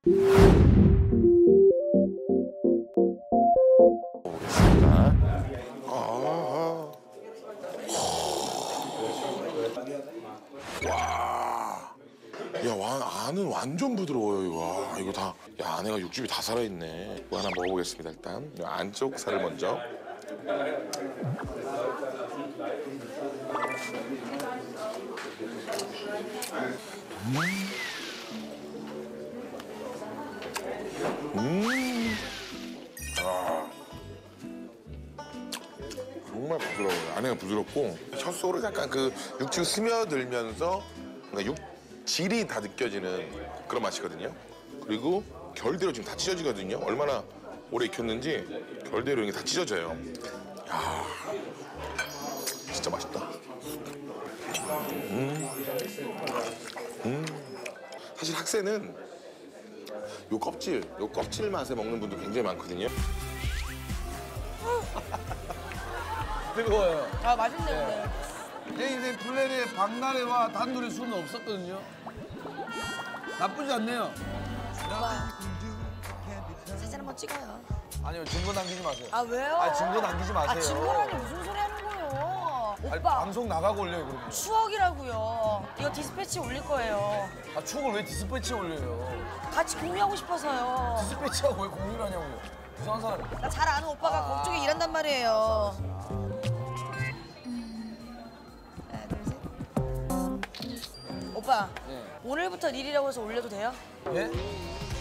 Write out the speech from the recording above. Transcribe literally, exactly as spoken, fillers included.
보겠습니다. 아, 와, 야, 와, 안은 완전 부드러워요. 이거. 와, 이거 다, 야, 안에가 육즙이 다 살아있네. 이거 하나 먹어보겠습니다. 일단 이 안쪽 살을 먼저. 음, 아, 정말 부드러워요. 안에가 부드럽고 첫 속으로 약간 그 육즙 스며들면서 뭔가 육질이 다 느껴지는 그런 맛이거든요. 그리고 결대로 지금 다 찢어지거든요. 얼마나 오래 익혔는지 결대로 이게 다 찢어져요. 야, 진짜 맛있다. 음, 음. 사실 학새는 요 껍질, 요 껍질 맛에 먹는 분도 굉장히 많거든요. 뜨거워요. 아 맛있네 근데. 제 인생 플랜에 박나래와 단둘이 술은 없었거든요. 나쁘지 않네요. 오빠 사진 한번 찍어요. 아니요, 증거 남기지 마세요. 아 왜요? 아, 증거 남기지 마세요. 아 증거라니 무슨 소리 하는 거예요? 아니, 오빠 방송 나가고 올려요, 그러면. 추억이라고요. 이거 디스패치 올릴 거예요. 아, 추억을 왜 디스패치에 올려요? 같이 공유하고 싶어서요. 디스패치하고 왜 공유를 하냐고요. 이상한 사람. 나 잘 아는 오빠가 아. 그쪽에 일한단 말이에요. 하나 둘 셋. 오빠 네. 오늘부터 릴이라고 해서 올려도 돼요? 예?